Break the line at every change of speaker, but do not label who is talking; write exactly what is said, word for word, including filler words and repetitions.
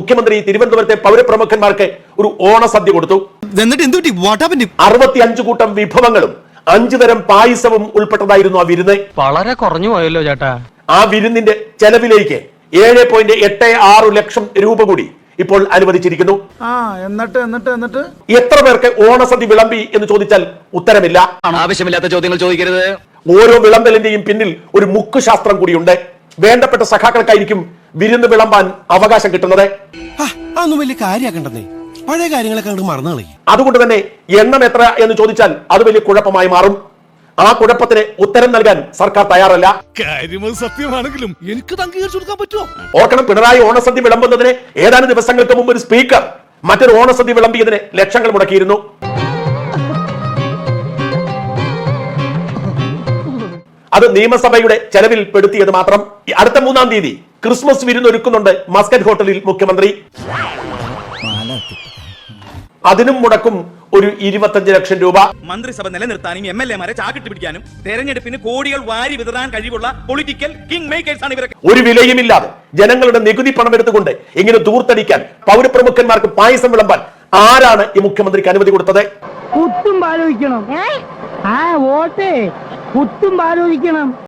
മുഖ്യമന്ത്രി തിരുവനന്തപുരത്തെ പൗരപ്രമുഖന്മാർക്ക് ഒരു ഓണസദ്യ കൊടുത്തു. അറുപത്തി അഞ്ചു കൂട്ടം വിഭവങ്ങളും അഞ്ചു തരം പായസവും ഉൾപ്പെട്ടതായിരുന്നു ആ വിരുന്ന്.
വളരെ കുറഞ്ഞു പോയല്ലോ ചേട്ടാ.
ആ വിരുന്നിന്റെ ചെലവിലേക്ക് ഏഴ് പോയിന്റ് എട്ട് ആറ് ലക്ഷം രൂപ കൂടി ഇപ്പോൾ അനുവദിച്ചിരിക്കുന്നു.
എന്നിട്ട് എന്നിട്ട് എന്നിട്ട്
എത്ര പേർക്ക് ഓണസദ്യ വിളമ്പി എന്ന് ചോദിച്ചാൽ ഉത്തരമില്ല.
ആവശ്യമില്ലാത്ത ചോദ്യങ്ങൾ ചോദിക്കരുത്.
ഓരോ വിളമ്പലിന്റെയും പിന്നിൽ ഒരു മുക്കുശാസ്ത്രം കൂടിയുണ്ട്. വേണ്ടപ്പെട്ട സഖാക്കൾക്കായിരിക്കും വിരുന്ന് വിളമ്പാൻ അവകാശം കിട്ടുന്നത്.
അതൊന്നും വലിയ കാര്യമാക്കണ്ടെന്നേ, പഴയ കാര്യങ്ങളൊക്കെ അങ്ങോട്ട് മറന്നു കളയും.
അതുകൊണ്ട് തന്നെ എണ്ണം എത്ര എന്ന് ചോദിച്ചാൽ അത് വലിയ കുഴപ്പമായി മാറും. ആ കുഴപ്പത്തിന് ഉത്തരം നൽകാൻ സർക്കാർ തയ്യാറല്ല.
സത്യമാണെങ്കിലും എനിക്ക് അംഗീകരിച്ചു കൊടുക്കാൻ പറ്റുമോ?
ഓർക്കണം, പിണറായി ഓണസദ്യ വിളമ്പുന്നതിന് ഏതാനും ദിവസങ്ങൾക്ക് മുമ്പ് ഒരു സ്പീക്കർ മറ്റൊരു ഓണസദ്യ വിളമ്പിയതിന് ലക്ഷങ്ങൾ മുടക്കിയിരുന്നു. അത് നിയമസഭയുടെ ചെലവിൽ പെടുത്തിയത് മാത്രം. അടുത്ത മൂന്നാം തീയതി ക്രിസ്മസ് വിരുന്ന് ഒരുക്കുന്നുണ്ട് മസ്കറ്റ് ഹോട്ടലിൽ മുഖ്യമന്ത്രി. അതിനും മുടക്കും ഒരു ഇരുപത്തഞ്ച് ലക്ഷം രൂപ.
മന്ത്രിസഭ നിലനിർത്താനും എം എൽ എമാരെ ചാക്കിട്ട് പിടിക്കാനും തെരഞ്ഞെടുപ്പിന് കോടികൾ വാരി വിതറാൻ കഴിവുള്ള പൊളിറ്റിക്കൽ കിങ് മേക്കേഴ്സ് ആണ് ഇവരൊക്കെ.
ഒരു വിലയുമില്ലാതെ ജനങ്ങളുടെ നികുതി പണം എടുത്തുകൊണ്ട് ഇങ്ങനെ ദൂർത്തടിക്കാൻ, പൗരപ്രമുഖന്മാർക്ക് പായസം വിളമ്പാൻ ആരാണ് ഈ മുഖ്യമന്ത്രിക്ക് അനുമതി കൊടുത്തത്?
കുത്തും ആലോചിക്കണം. ആ വോട്ടേ കുത്തും ആലോചിക്കണം.